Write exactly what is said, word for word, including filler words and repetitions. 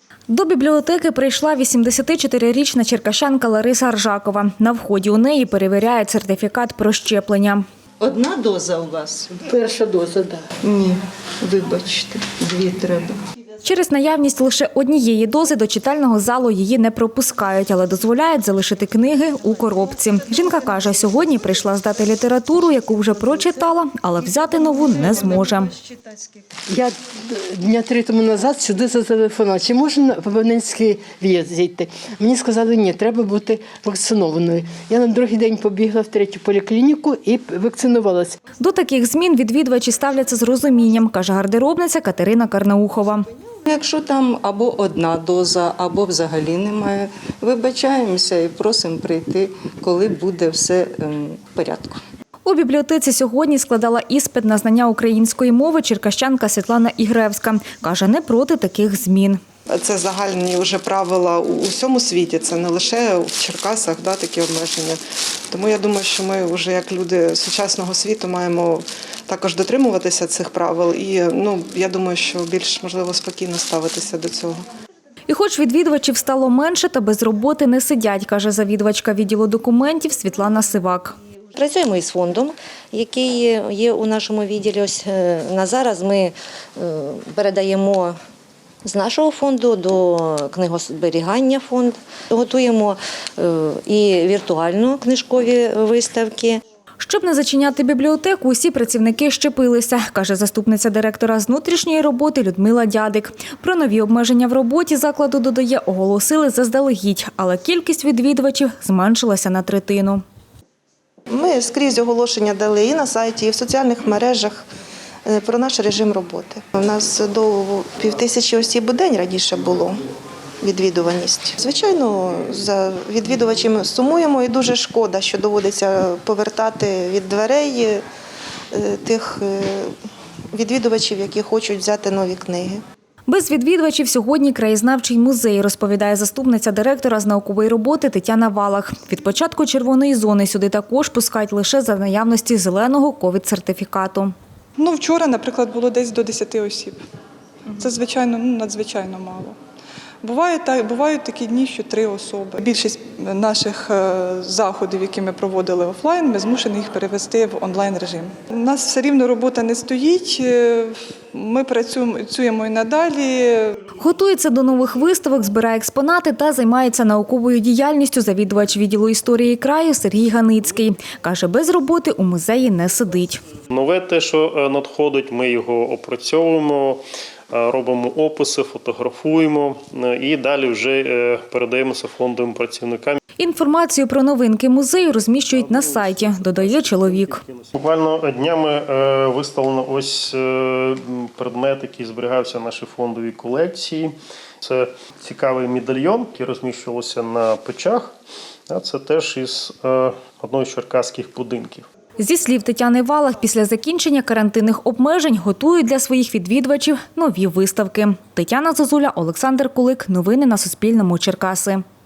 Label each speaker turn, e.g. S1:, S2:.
S1: До бібліотеки прийшла вісімдесятичотирирічна черкащанка Лариса Аржакова. На вході у неї перевіряють сертифікат про щеплення.
S2: Одна доза у вас?
S3: Перша доза, так.
S2: Ні, вибачте, дві треба.
S1: Через наявність лише однієї дози до читального залу її не пропускають, але дозволяють залишити книги у коробці. Жінка каже, сьогодні прийшла здати літературу, яку вже прочитала, але взяти нову не зможе.
S3: Я дня три тому назад сюди зателефонувала, чи можна в абонентський в'їзд зійти. Мені сказали, ні, треба бути вакцинованою. Я на другий день побігла в третю поліклініку і вакцинувалася.
S1: До таких змін відвідувачі ставляться з розумінням, каже гардеробниця Катерина Карнаухова.
S2: Якщо там або одна доза, або взагалі немає, вибачаємося і просимо прийти, коли буде все в порядку.
S1: У бібліотеці сьогодні складала іспит на знання української мови черкащанка Світлана Ігревська. Каже, не проти таких змін.
S4: Це загальні вже правила у всьому світі, це не лише в Черкасах, да, такі обмеження. Тому я думаю, що ми вже як люди сучасного світу маємо також дотримуватися цих правил. І ну, я думаю, що більш, можливо, спокійно ставитися до цього.
S1: І хоч відвідувачів стало менше, та без роботи не сидять, каже завідувачка відділу документів Світлана Сивак.
S5: Працюємо із фондом, який є у нашому відділі. Ось на зараз ми передаємо з нашого фонду до книгозберігання фонд. Готуємо і віртуально книжкові виставки.
S1: Щоб не зачиняти бібліотеку, усі працівники щепилися, каже заступниця директора з внутрішньої роботи Людмила Дядик. Про нові обмеження в роботі закладу, додає, оголосили заздалегідь, але кількість відвідувачів зменшилася на третину.
S4: Ми скрізь оголошення дали і на сайті, і в соціальних мережах про наш режим роботи. У нас до півтисячі осіб у день раніше було відвідуваність. Звичайно, за відвідувачами сумуємо і дуже шкода, що доводиться повертати від дверей тих відвідувачів, які хочуть взяти нові книги.
S1: Без відвідувачів сьогодні краєзнавчий музей, розповідає заступниця директора з наукової роботи Тетяна Валах. Від початку червоної зони сюди також пускають лише за наявності зеленого ковід-сертифікату.
S6: Ну, вчора, наприклад, було десь до десяти осіб. Це, звичайно, ну, надзвичайно мало. Буває, так, бувають такі дні, що три особи. Більшість наших заходів, які ми проводили офлайн, ми змушені їх перевести в онлайн-режим. У нас все рівно робота не стоїть, ми працюємо і надалі.
S1: Готується до нових виставок, збирає експонати та займається науковою діяльністю завідувач відділу історії краю Сергій Ганицький. Каже, без роботи у музеї не сидить.
S7: Нове те, що надходить, ми його опрацьовуємо, робимо описи, фотографуємо і далі вже передаємося фондовим працівникам.
S1: Інформацію про новинки музею розміщують на сайті, додає чоловік.
S7: Буквально днями виставлено ось предмет, який зберігався в нашій фондовій колекції. Це цікавий медальйон, який розміщувався на печах. Це теж із одного з черкаських будинків.
S1: Зі слів Тетяни Валах, після закінчення карантинних обмежень готують для своїх відвідувачів нові виставки. Тетяна Зозуля, Олександр Кулик. Новини на Суспільному. Черкаси.